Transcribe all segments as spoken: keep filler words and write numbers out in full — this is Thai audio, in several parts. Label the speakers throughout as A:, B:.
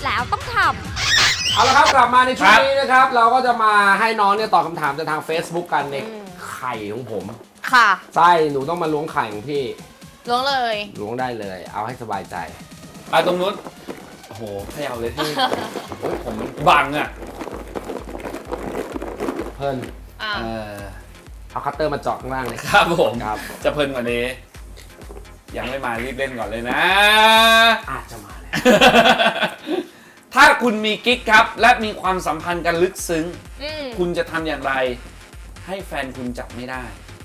A: แล้วต้องทำ
B: เอาละครับกลับมาในช่วงนี้นะครับเราก็จะมาให้น้องเนี่ยตอบคำถามจากทาง Facebook กันในไข่ของผม
A: ค่ะ
B: ใช่หนูต้องมาล้วงไข่ของพี่
A: ล้วงเลย
B: ล้วงได้เลยเอาให้สบายใจ
C: ไปตรงนู้นโอ้โหขยับเลยที่โอ้ยผมบังอ่ะ
B: เพิ่น
C: เออ
B: เอาคัตเตอร์มาเจาะข้างล่างเลย
C: ครับผม
B: ครับ
C: จะเพลินกว่านี้ยังไม่มารีบเล่นก่อนเลยนะ
B: อาจจะมาแล้ว
C: ถ้าคุณมีกิ๊กครับและมีความสัมพันธ์กันลึกซึ้งคุณจะทำอย่างไรให้แฟนคุณจับไม่ได้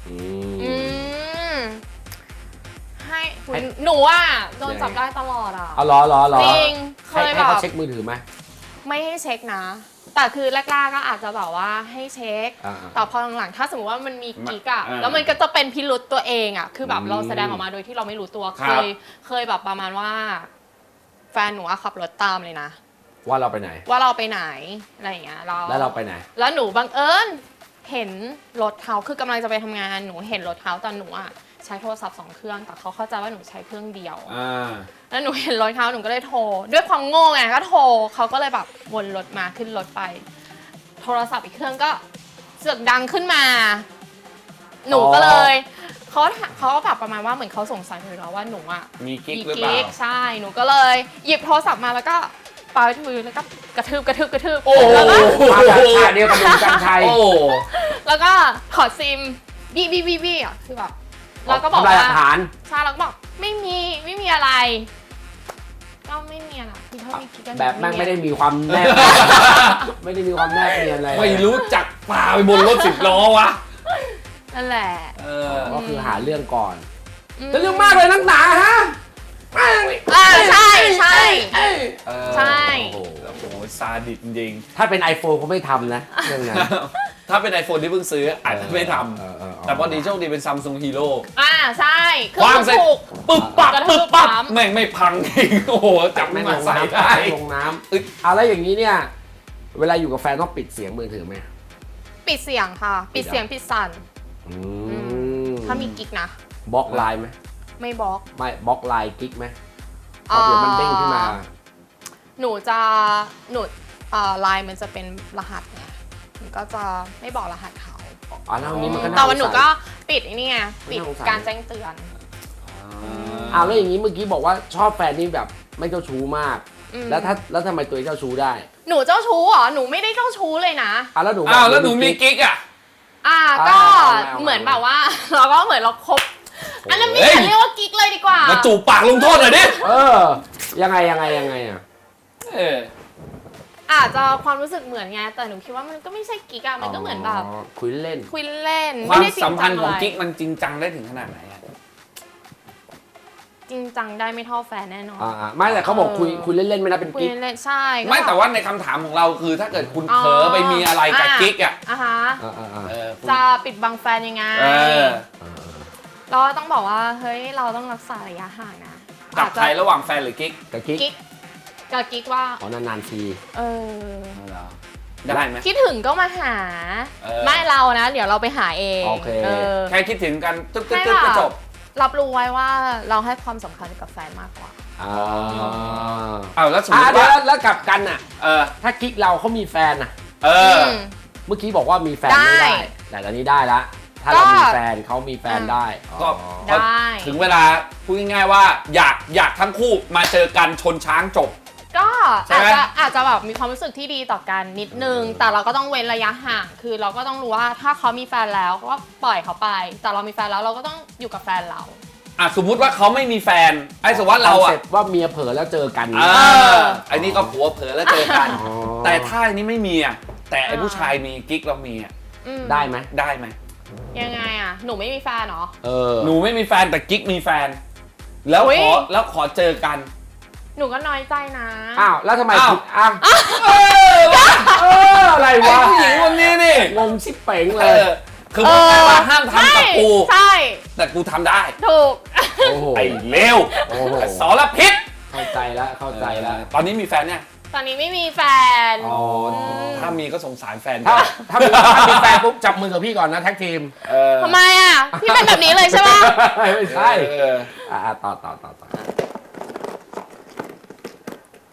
A: ให้คุณหนูอ่ะโดนจับได้ตลอดอ่ะ
B: เอาล้อล้อล้อ
A: จริงเคยแบบ
B: ให้เขาเช็คมือถือไหม
A: ไม่ให้เช็คนะแต่คือแรกๆก็อาจจะแบบว่าให้เช็คแต่พอหลังๆถ้าสมมติว่ามันมีกิ๊กอะแล้วมันก็จะเป็นพิรุษตัวเองอะคือแบบเราแสดงออกมาโดยที่เราไม่รู้ตัวเคยเคยแบบประมาณว่าแฟนหนูขับรถตามเลยนะ
B: ว่าเราไปไหน
A: ว่าเราไปไหนอะไรอย่างเงี้ยเรา
B: แล้วเราไปไหน
A: แล้วหนูบังเอิญเห็นรถเขาคือกำลังจะไปทำงานหนูเห็นรถเขาตอนหนูอะใช้โทรศัพท์สองเครื่องแต่เขาเข้าใจว่าหนูใช้เครื่องเดียวแล้วหนูเห็นรถเขาหนูก็เลยโทรด้วยความโง่ไงก็โทรเขาก็เลยแบบวนรถมาขึ้นรถไปโทรศัพท์อีกเครื่องก็เสียงดังขึ้นมาหนูก็เลยเขาเขาก็แบบประมาณว่าเหมือนเขาสงสัยเลยแล้วว่าหนูอ่ะ
C: มีกิ๊กหรือเปล่า
A: ใช่หนูก็เลยหยิบโทรศัพท์มาแล้วก็ปาไปที่มือแล้วก็กระทืบกระทืบกระทืบ
C: โอ้โห
B: มาจากชาเดียวกับลุงกันชัย
A: แล้วก็ขอซิมบี้บี้บี้บี้อ่ะคือแบบแล้วก็บอกว่าใช่แล้วก็บอกไม่มีไม่มีอะไรก็ไม่มีอะไรคือถ้ามีกิ๊กกัน
B: แบบแม่งไม่ได้มีความแนบไม่ได้มีความแนบเนียนอะไร
C: ไม่รู้จักปลาไปบนรถสิบล้อวะ
A: นั่นแหละ
B: ก็คือหาเรื่องก่อนจะเรื่องมากเลยนักหนาฮะ
A: อ่าใช่ใช่ใช่
C: โอ้โหซาดิสจริง
B: ถ้าเป็น iPhone เขาไม่ทำนะเรื่องนั้น
C: ถ้าเป็น iPhone ที่เพิ่งซื้ออาจจะไม่ทำแต่พอดีโชคดีเป็น Samsung Hero
A: อ่าใช่
C: วางเสร็จปึ๊บปั๊บปึ๊บปั๊บแม่งไม่พังเองโอ้โหจับไม่มาใส่ได้
B: ลงน้ำอึดเอาแล้วอย่างนี้เนี่ยเวลาอยู่กับแฟนต้องปิดเสียงมือถือไหม
A: ปิดเสียงค่ะปิดเสียงปิดสั่นถ้ามีกิ๊กนะ
B: บล็อกไลน์ไหม
A: ไม่บล็อก
B: ไม่บล็อกไลน์กิ๊กไหมเพราะเดี๋ยวมันเด้งขึ้นมา
A: หนูจะหนูไลน์มันจะเป็นรหัสไงหนูก็จะไม่บอกรหัสเขา
B: อ๋อแล้วนี้มันก็
A: แต่วันหนูก็ปิดนี่ไงปิดการแจ้งเตือน
B: อ้าวแล้วอย่างนี้เมื่อกี้บอกว่าชอบแฟนนี่แบบไม่เจ้าชู้มากแล้วถ้าแล้วทำไมตัวเจ้าชู้ได้
A: หนูเจ้าชู้เหรอหนูไม่ได้เจ้าชู้เลยนะ
B: อ้าวแล้วหนู
C: อ้าวแล้วหนูมีกิ๊กอ่ะ
A: อ่าก็เหมือนแบบว่าเราก็เหมือนเราคบอันนั้นไม่เรียกว่ากิ๊กเลยดีกว่า
C: มาจูบปากลงโทษหน่อยดิ
B: เออยังไงยังไงยังไงอ่ะ
C: เออ
A: อาจจะความรู้สึกเหมือนไงแต่หนูคิดว่ามันก็ไม่ใช่กิ๊กอะมันก็เหมือนแบบ
B: คุยเล่น
A: คุยเล่น
C: ความสัมพันธ์ของกิ๊กมันจริงจังได้ถึงขนาดไหนอะ
A: จริงจังได้ไม่เท่าแฟนแน่นอน
B: อ่าไม่แต่เขาบอกคุยคุยเล่นๆไม่นะเป็นกิ๊ก
A: คุยเล่นใช่
C: ไม่แต่ว่าในคำถามของเราคือถ้าเกิดคุณเผลอไปมีอะไรกับกิ๊กอะ
A: อ่ะฮะจะปิดบังแฟนยังไงเราต้องบอกว่าเฮ้ยเราต้องรักษาระยะห่างนะ
C: กับใครระหว่างแฟนหรือกิ๊ก
B: กับกิ๊ก
A: กับกิ๊กว่า
B: อ๋อนานๆที
A: เออ
C: ได้ไหม
A: คิดถึงก็มาหาไม่เรานะเดี๋ยวเราไปหาเอง
B: โอเค
C: แค่คิดถึงกันตึ๊บตึ๊บตึ๊บก็จบ
A: รับรู้ไว้ว่าเราให้ความสำคัญกับแฟนมากกว่า
B: อ๋อ
C: เอาแล้วสมมติ
B: ว่าแล้วกับกันอ่ะ
C: เออ
B: ถ้ากิ๊กเราเขามีแฟนอ่ะ
C: เออ
B: เมื่อกี้บอกว่ามีแฟนไม่ได้แต่ตอนนี้ได้ละถ้าเรามีแฟนเขามีแฟนได้
C: ก็ถึงเวลาพูดง่ายๆว่าอยากอยากทั้งคู่มาเจอกันชนช้างจบ
A: ก็อาจจะอาจจะแบบมีความรู้สึกที่ดีต่อกันนิดนึงแต่เราก็ต้องเว้นระยะห่างคือเราก็ต้องรู้ว่าถ้าเขามีแฟนแล้วก็ปล่อยเขาไปแต่เรามีแฟนแล้วเราก็ต้องอยู่กับแฟนเรา
C: อ่ะสมมุติว่าเขาไม่มีแฟนไอ้สมมติเราอ่ะ
B: ว่าเมียเผลอแล้วเจอกัน
C: อ่าไอ้นี่ก็ผัวเผลอแล้วเจอกันแต่ถ้าอันนี้ไม่มีอ่ะแต่ไอ้ผู้ชายมีกิ๊กเรามีอ่ะ
B: ได้ไหม
C: ได้ไหม
A: ยังไงอ่ะหนูไม่มีแฟนเหรอ
C: เออหนูไม่มีแฟนแต่กิ๊กมีแฟนแล้วขอแล้วขอเจอกัน
A: หนูก็น้อยใจนะ
B: อ้าวแล้วทำไมผิดอ้าวเอออะไรวะ
C: ผู้หญิงคนนี้นี่
B: งงชิบเป๋งเลย
C: คือมึงไม่ว่าห้ามทำกับกู
A: ใช่
C: แต่กูทำได้
A: ถูก
C: ไอ้เลวสารพิษ
B: เข้าใจแล้วเข้าใจแล้ว
C: ตอนนี้มีแฟนเนี่ย
A: ตอนนี้ไม่มีแฟน
C: ถ้ามีก็สงสารแฟน
B: ถ้าถ้ามีแฟนปุ๊บจับมือกับพี่ก่อนนะแท็กทีม
A: ทำไมอ่ะพี่เป็นแบบนี้เลยใช่ไหม
B: ไม่ใช่อ่าต่อต่อต่อต่อ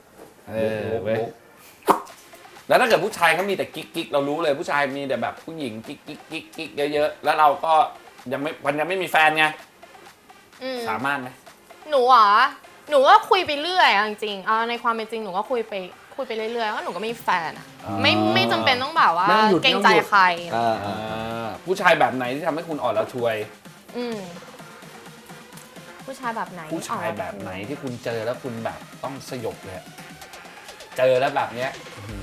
C: เออเว้ยแล้วถ้าเกิดผู้ชายเขามีแต่กิ๊กกิ๊กเรารู้เลยผู้ชายมีแต่แบบผู้หญิงกิ๊กกิ๊กกิ๊กกิ๊กเยอะๆแล้วเราก็ยังไม่มันยังไม่มีแฟนไงสามารถไหม
A: หนูอ่ะหนูก็คุยไปเรื่อยจริงๆเอาในความเป็นจริงหนูก็คุยไปคุยไปเรื่อยๆว่าหนูก็ไม่มีแฟนไม่ไม่จำเป็นต้องแบบว่าเกรงใจใคร
C: ผู้ชายแบบไหนที่ทำให้คุณอ่อนระทวย
A: ผู้ชายแบบไหน
C: ผู้ชายแบบไหนที่คุณเจอแล้วคุณแบบต้องสยบเลยเจอแล้วแบบเนี้ย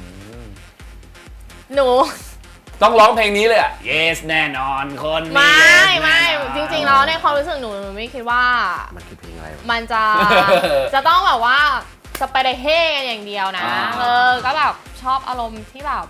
A: หนู
C: ต้องร้องเพลงนี้เลยอ่ะ yes แน่นอนคนนี้
A: ไม่ไม่จริงๆแล้วในความรู้สึกหนูไม่คิดว่า
B: มันคือเพลงอะไร
A: มันจะจะต้องแบบว่าสไปเดเฮ่กันอย่างเดียวนะเออก็แบบชอบอารมณ์ที่แบบ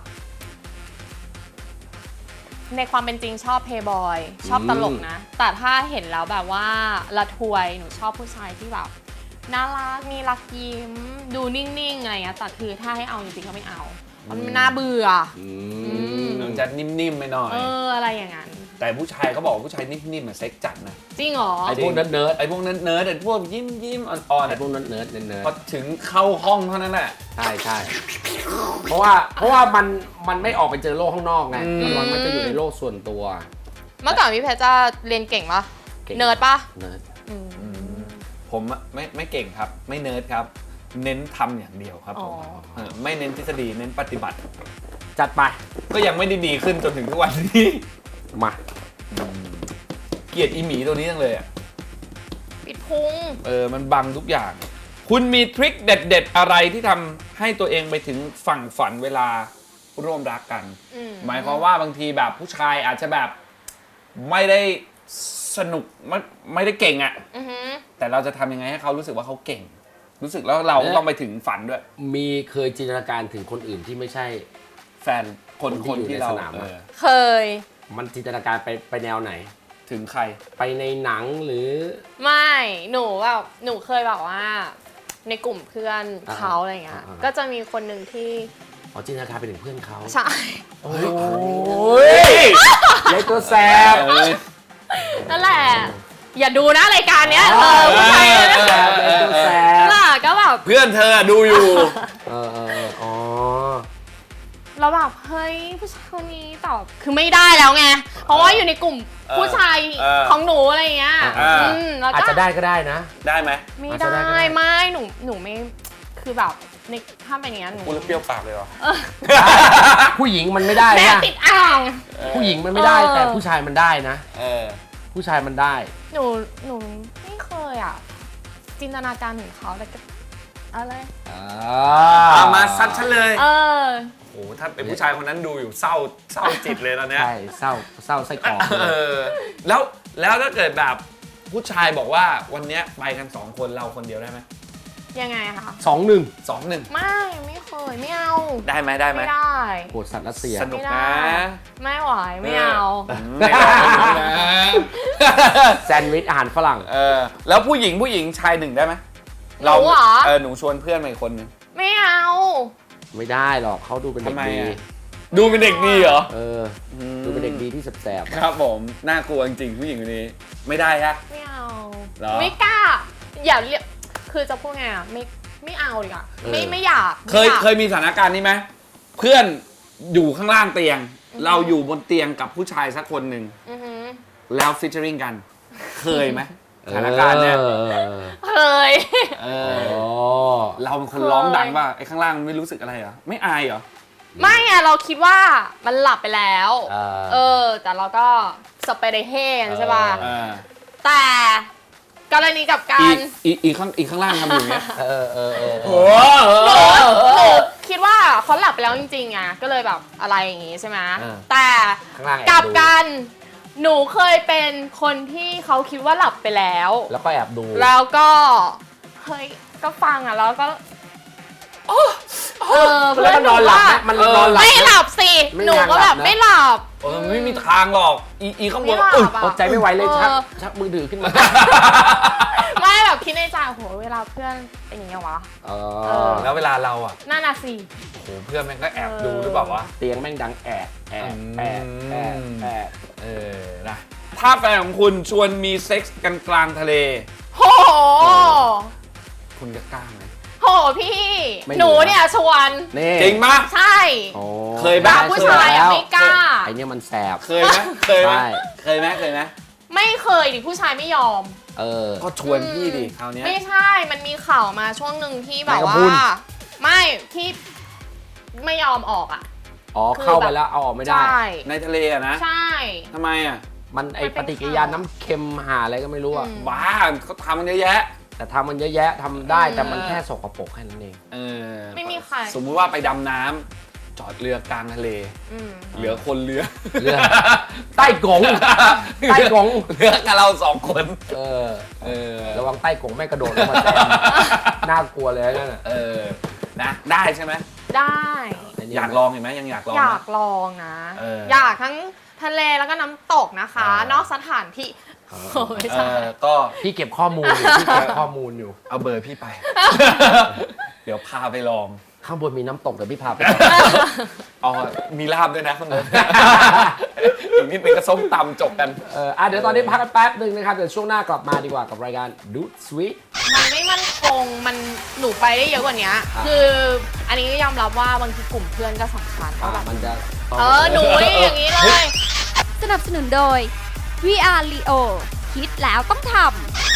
A: ในความเป็นจริงชอบเพย์บอยชอบตลกนะแต่ถ้าเห็นแล้วแบบว่าละทวยหนูชอบผู้ชายที่แบบน่ารักมีรักยิ้มดูนิ่งๆอะไรเงี้ยแต่คือถ้าให้เอาจริงๆก็ไม่เอามันน่าเบื่อ
C: มันจะนิ่มๆไปหน่อย
A: เอออะไรอย่างนั้น
C: แต่ผู้ชายเขาบอกผู้ชายนิ่มๆมันเซ็กจัดนะ
A: จริงเหรอ
C: ไอ้พวกเนิร์ดไอ้พวกเนิร์ดไอ้พวกยิ้มยิ้มอ่อนๆ
B: ไอ้พวกเนิร์ดเนิร์ดเนิร์ด
C: พอถึงเข้าห้องเท่านั้นแหละ
B: ใช่ใช่เพราะว่าเพราะว่ามันมันไม่ออกไปเจอโลกข้างนอกไงมันมันจะอยู่ในโลกส่วนตัว
A: เมื่อก่อนพี่เพชรจะเรียนเก่งปะเนิร์ดปะ
B: เนิร์ด
C: ผมไม่ไม่เก่งครับไม่เนิร์ดครับเน้นทำอย่างเดียวครับผมไม่เน้นทฤษฎีเน้นปฏิบัติ
B: จัดไป
C: ก็ยังไม่ได้ดีขึ้นจนถึงทุกวันนี้
B: มา
C: เกลียดอีหมีตัวนี้จังเลยอ่ะ
A: ปิดพุง
C: เออมันบังทุกอย่างคุณมีทริคเด็ดๆอะไรที่ทำให้ตัวเองไปถึงฝั่งฝันเวลาร่วมรักกันหมายความว่าบางทีแบบผู้ชายอาจจะแบบไม่ได้สนุกไม่ไม่ได้เก่งอ่ะแต่เราจะทำยังไงให้เขารู้สึกว่าเขาเก่งรู้สึกแล้วเราต้องไปถึงฝันด้วย
B: มีเคยจินตนาการถึงคนอื่นที่ไม่ใช่
C: แฟนคนคนที่เรา
A: เคย
B: มันจินตนาการไปไปแนวไหน
C: ถึงใคร
B: ไปในหนังหรือ
A: ไม่หนูแบบหนูเคยแบบว่าในกลุ่มเพื่อนเขาอะไรเงี้ยก็จะมีคนหนึ่งที่
B: อ๋อจินตนาการไปถึงเพื่อนเขา
A: ใช่
B: โอ้ยเล็กตัวแสบ
A: นั่นแหละอย่าดูนะรายการเนี้ยเออผู้ชายเล็กตัวแสบล่ะก็แบบ
C: เพื่อนเธอดูอยู่
B: เออเอออ๋อ
A: เราแบบเฮ้ยผู้ชายคนนี้ตอบคือไม่ได้แล้วไงเพราะว่าอยู่ในกลุ่มผู้ชายของหนูอะไรเงี้ย
B: อาจจะได้ก็ได้นะ
C: ได้ไหม
A: ไม่ได้ไม่หนูหนูไม่คือแบบในถ้าเป็นอย่างนี้หนู
C: พูดแล้วเปรี้ยวปากเลยเหรอ
B: ผู้หญิงมันไม่ได้นะ
A: แม่ติดอ่าง
B: ผู้หญิงมันไม่ได้แต่ผู้ชายมันได้นะผู้ชายมันได้
A: หนูหนูไม่เคยอ่ะจินตนาการถึงเขาแต่ก็อะไร
C: เอามาซัดฉันเลย
A: เออ
C: โอ้ถ้าเป็นผู้ชายคนนั้นดูอยู่เศร้าเศร้าจิตเลยตอนนี้
B: ใช่เศร้าเศร้าไส้กรอก
C: เออแล้วแล้วถ้าเกิดแบบผู้ชายบอกว่าวันนี้ไปกันสองคนเราคนเดียวได้ไหม
A: ยังไงคะ
B: สองหนึ่ง
C: สองหนึ่ง
A: ไม่ไม่เคยไม่เอา
C: ได้ไหมได้ไหม
A: ไม่ได้
B: โหดสัตว์รัสเซีย
C: สนุกนะ
A: ไม่ไหวไม่เอา
B: แซนด์วิชอาหารฝรั่ง
C: เออแล้วผู้หญิงผู้หญิงชายหนึ่งได้ไหม
A: เรา
C: เออหนูชวนเพื่อนมาอีกคนนึง
A: ไม่เอา
B: ไม่ได้หรอกเขาดูเป็นเด็กดี
C: ดูเป็นเด็กดีเหรอ
B: เออดูเป็นเด็กดีที่แสบ
C: ๆครับผมน่ากลัวจริงๆผู้หญิงคนนี้ไม่ได้ฮะ
A: ไม่เอาไม่กล้าอย่าเรียกคือจะพูดไงอ่ะไม่ไม่เอาดีกว่าไม่ไม่อยาก
C: เคยเคยมีสถานการณ์นี้ไหมเพื่อนอยู่ข้างล่างเตียงเราอยู่บนเตียงกับผู้ชายสักคนหนึ่งแล้วฟิชเชอริงกันเคยไหมสถานการณ์เนี่ย
A: เคย
C: เราเป็นคนร้องดังป่ะไอ้ข้างล่างไม่รู้สึกอะไรเหรอไม่อายเหรอ
A: ไม่อะเราคิดว่ามันหลับไปแล้วเออแต่เราก็สเปรย์เฮนใช่ป่ะแต่กรณีกับการ
C: อีกข้างอีกข้างล่างทำอยู่เนี้ย
B: เออเออเออ
A: หนูคิดว่าเขาหลับไปแล้วจริงๆอะก็เลยแบบอะไรอย่างงี้ใช่ไหมแต่กับกันหนูเคยเป็นคนที่เขาคิดว่าหลับไปแล้ว
B: แล้วก็แอบดู
A: แล้วก็เฮ้ยก็ฟังอ่ะแล้วก็เออเพื่อน
B: นอนหลับมันนอนหลับ
A: ไม่หลับสิหนูก็แบบไม่หลับ
C: เออไม่มีทางหรอกอีอีข้างบน
B: อดใจไม่ไหวเลยชักชักมือถือขึ้นมา
A: ไม่แบบคิดในใจโหเวลาเพื่อนเป็นอย่างเงี้ยวะ
C: แล้วเวลาเราอ่ะ
A: น่าน่ะสิ
C: โหเพื่อนแม่งก็แอบดูหรือเปล่าวะ
B: เตียงแม่งดังแอบแอบแอบแอบแอบ
C: เออนะถ้าแฟนของคุณชวนมีเซ็กส์กันกลางทะเล
A: โห
C: คุณจะกล้าไหม
A: โหพี่
B: ไม่รู้
A: หนูเนี่ยชวน
B: นี่
C: จริงปะ
A: ใช่
B: โอ้
C: เคย
A: แบ
C: บ้า
A: บผู้ชายอะไม่กล้า
B: ไอเนี่ยมันแสบ
C: เคยไหมเคยไหม
B: ใช่
C: เคยไหมเคยไหม
A: ไม่เคยดิผู้ชายไม่ยอม
B: เออ
C: ก็ชวนพี่ดิคราวเนี้ย
A: ไม่ใช่มันมีข่าวมาช่วงหนึ่งที่แบบ
B: แมงกะ
A: ว่า
B: พรุน
A: ไม่ที่ไม่ยอมออกอ่ะ
B: อ๋อ
A: คือ
B: เข้าไป
A: แบบ
B: แล้วเอาออกไม่ได้
A: ใช่
C: ในทะเลอะนะ
A: ใช่
C: ทำไมอะ
B: มันไอ
A: มันเป็
B: ป
A: น
B: ฏิกิริยาน้ำเค็มหาอะไรก็ไม่รู้อะ
A: อืม
C: บ้าเขาทำมันเยอะแยะ
B: แต่ทำมันเยอะแยะทำได้
A: อืม
B: แต่มันแค่สกปรกแค่นั้นเอง
C: เออ
A: ไม่มีใคร
C: สมมุติว่าไปดำน้ำจอดเรือกลางทะเล
A: อืม
C: เหลือคนเรือ
B: เรือใต้กงใต้กง
C: เหลือกับเราสองคน
B: เออ
C: เออ
B: ระวังใต้กงไม่กระโดดลงมาแซมน่ากลัวเลยนั่นน่ะ
C: เออนะได้ใช่ไหม
A: ได้
C: อยากลองเห็นไหมยังอยากลอง
A: อ
C: ไหม
A: ยากลองนะ
C: เออ
A: อยากทั้งทะเลแล้วก็น้ำตกนะคะ
C: เออ
A: นอกสถานที่โอ้ยไม่
C: เอ
A: ใช่
C: อก็
B: พี่เก็บข้อมูลอยู่พี่เก็บข้อมูลอยู่
C: เอาเบอร์พี่ไป เดี๋ยวพาไปลอง
B: ข้างบนมีน้ำตกเดี๋ยวพี่พาไป
C: อ๋อมีลาบด้วยนะข้างบน อีกนิดนึงก็ส้มตำจบกัน
B: เอออ่ะเดี๋ยวตอนนี้พักกันแป๊บหนึ่งนะครับ เดี๋ยวช่วงหน้ากลับมาดีกว่ากับรายการดูดสวีท
A: มันไม่มั่นคงมันหนูไปได้เยอะกว่านี้
B: อ่ะ
A: คืออันนี้ก็ยอมรับว่าบางทีกลุ่มเพื่อนก็สำคัญว่าแบบ
B: มันจะ
A: เออหนูนี่อย่างนี้เลย
D: สนับสนุนโดย วี อาร์ Leo คิดแล้วต้องทำ